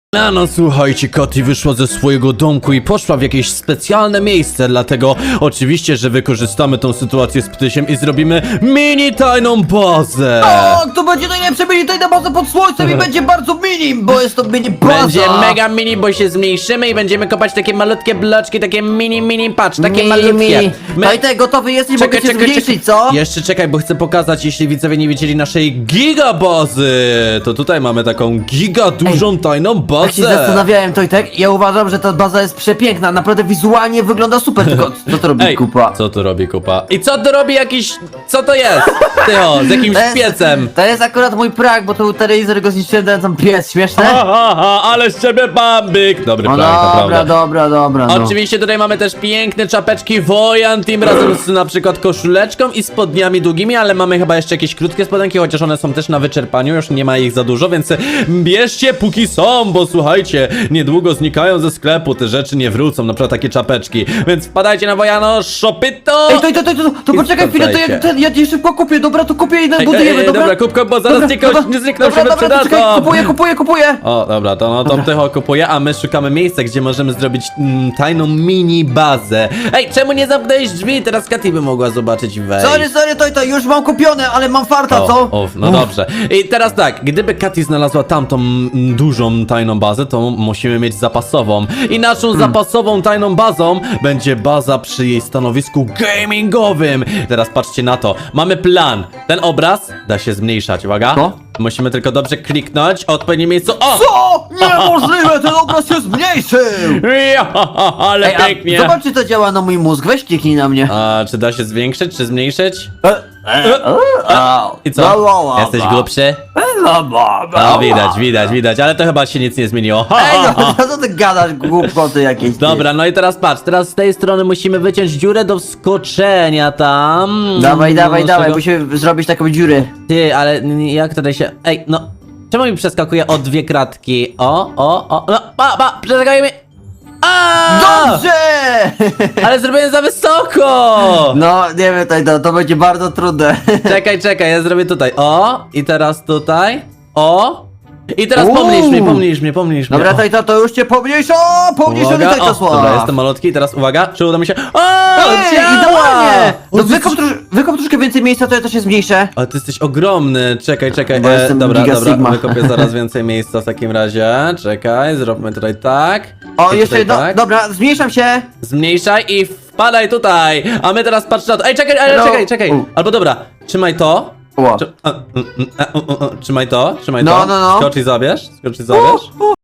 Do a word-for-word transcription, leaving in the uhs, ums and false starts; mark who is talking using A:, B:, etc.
A: A no słuchajcie, Katy wyszła ze swojego domku i poszła w jakieś specjalne miejsce, dlatego oczywiście, że wykorzystamy tą sytuację z Ptysiem i zrobimy mini tajną bazę.
B: O, to będzie najlepsze mini tajna baza pod słońcem i będzie bardzo mini, bo jest to mini baza.
A: Będzie mega mini, bo się zmniejszymy i będziemy kopać takie malutkie bloczki, takie mini, mini, patrz, takie
B: Mini,
A: malutkie.
B: mini.
A: My-
B: Tajtek, gotowy jesteś,
A: Czekaj,
B: mogę cię
A: czekaj,
B: zmniejszyć,
A: czekaj.
B: co?
A: Jeszcze czekaj, bo chcę pokazać, jeśli widzowie nie widzieli naszej gigabazy. To tutaj mamy taką giga dużą tajną bazę.
B: Tak się zastanawiałem, Tojtek, ja uważam, że ta baza jest przepiękna, naprawdę wizualnie wygląda super, tylko co to robi
A: Ej,
B: kupa?
A: co tu robi kupa? I co tu robi jakiś... co to jest? Tycho, z jakimś
B: To jest-
A: piecem.
B: To jest akurat mój prank, bo tu telewizor go zniszczyłem, dałem tam pies, śmieszne?
A: Ha, ha, ha, ale z ciebie bambik. Dobry
B: No
A: prank,
B: dobra,
A: naprawdę.
B: dobra, dobra, no.
A: Oczywiście tutaj mamy też piękne czapeczki Wojan Team razem z na przykład koszuleczką i spodniami długimi, ale mamy chyba jeszcze jakieś krótkie spodenki, chociaż one są też na wyczerpaniu, już nie ma ich za dużo, więc bierzcie póki są, bo słuchajcie, niedługo znikają ze sklepu, te rzeczy nie wrócą, na przykład takie czapeczki, więc wpadajcie na Wojano Shopito!
B: Ej, to, to, to, to, to
A: I
B: poczekaj chwilę, to
A: wracajcie.
B: ja, ten, ja je szybko kupię, dobra, to kupię i
A: Ej,
B: budujemy,
A: ej, ej,
B: dobra?
A: dobra, kup, kup, bo zaraz
B: Dobra,
A: znikną,
B: dobra,
A: nie znikną
B: dobra,
A: się
B: dobra, to czekaj,
A: wyprzedadzą.
B: kupuję, kupuję, kupuję!
A: O, dobra, to no to Tycho kupuje, a my szukamy miejsca, gdzie możemy zrobić mm, tajną mini bazę. Ej, czemu nie zamknęłeś drzwi? Teraz Katy by mogła zobaczyć i wejść.
B: Sorry, sorry, to, to już mam kupione, ale mam farta,
A: O,
B: co?
A: o, no dobrze. I teraz tak, gdyby Katy znalazła tamtą mm, dużą tajną bazę, to musimy mieć zapasową. I naszą
B: Hmm.
A: zapasową tajną bazą będzie baza przy jej stanowisku gamingowym. Teraz patrzcie na to. Mamy plan. Ten obraz da się zmniejszać, uwaga.
B: Co?
A: Musimy tylko dobrze kliknąć, odpowiednie miejsce. O!
B: Co? Niemożliwe, ten obraz się zmniejszył!
A: Ja, ale
B: Ej, a
A: pięknie.
B: zobacz, czy to działa na mój mózg, weź kliknij na mnie.
A: A czy da się zwiększyć, czy zmniejszyć?
B: Au.
A: I co?
B: La, la, la,
A: Jesteś
B: la.
A: grubszy?
B: La, la, la,
A: No
B: la.
A: widać, widać, widać, ale to chyba się nic nie zmieniło. Ha,
B: Ej,
A: ha, ha.
B: no, co ty gadasz, głupoty jakieś? ty?
A: Dobra, no i teraz patrz, teraz z tej strony musimy wyciąć dziurę do wskoczenia tam.
B: Dawaj,
A: No,
B: dawaj,
A: z
B: dawaj,
A: czego-
B: musimy zrobić taką dziurę.
A: Ty, ale n- jak tutaj się... Ej, no... Czemu mi przeskakuje o dwie kratki? O, o, o... No, pa, pa, przeskakuje mi... A!
B: Dobrze!
A: Ale zrobiłem za wysoko!
B: No, nie wiem, to, to, to będzie bardzo trudne.
A: Czekaj, czekaj, ja zrobię tutaj. O! I teraz tutaj. O! I teraz
B: Uuu.
A: pomniejsz mnie, pomniejsz mnie, pomniejsz mnie.
B: Dobra,
A: O.
B: to, to, to już cię pomniejsza, pomniejszony
A: Uwaga,
B: to
A: o,
B: słowa.
A: dobra, jestem malutki i teraz uwaga, czy uda mi się... O!
B: Ej,
A: działa!
B: idealnie! No
A: O, ty
B: wykop,
A: jesteś-
B: trosz, wykop troszkę więcej miejsca, to ja to się zmniejszę.
A: Ale ty jesteś ogromny, czekaj, czekaj,
B: Bo
A: e,
B: jestem
A: dobra,
B: Giga
A: dobra,
B: Sigma.
A: wykopię zaraz więcej miejsca w takim razie, czekaj, zróbmy tutaj tak.
B: O,
A: I
B: jeszcze
A: tutaj
B: jedno,
A: tak.
B: dobra, zmniejszam się.
A: Zmniejszaj i wpadaj tutaj, a my teraz patrz na to, ej, czekaj, ale
B: No.
A: czekaj, czekaj,
B: U.
A: albo dobra, trzymaj to.
B: Ła.
A: Trzy- a, mm, mm, a, u, u, u, Trzymaj to, trzymaj
B: No,
A: to.
B: no, no.
A: Skocz i zabierz, skocz i zabierz.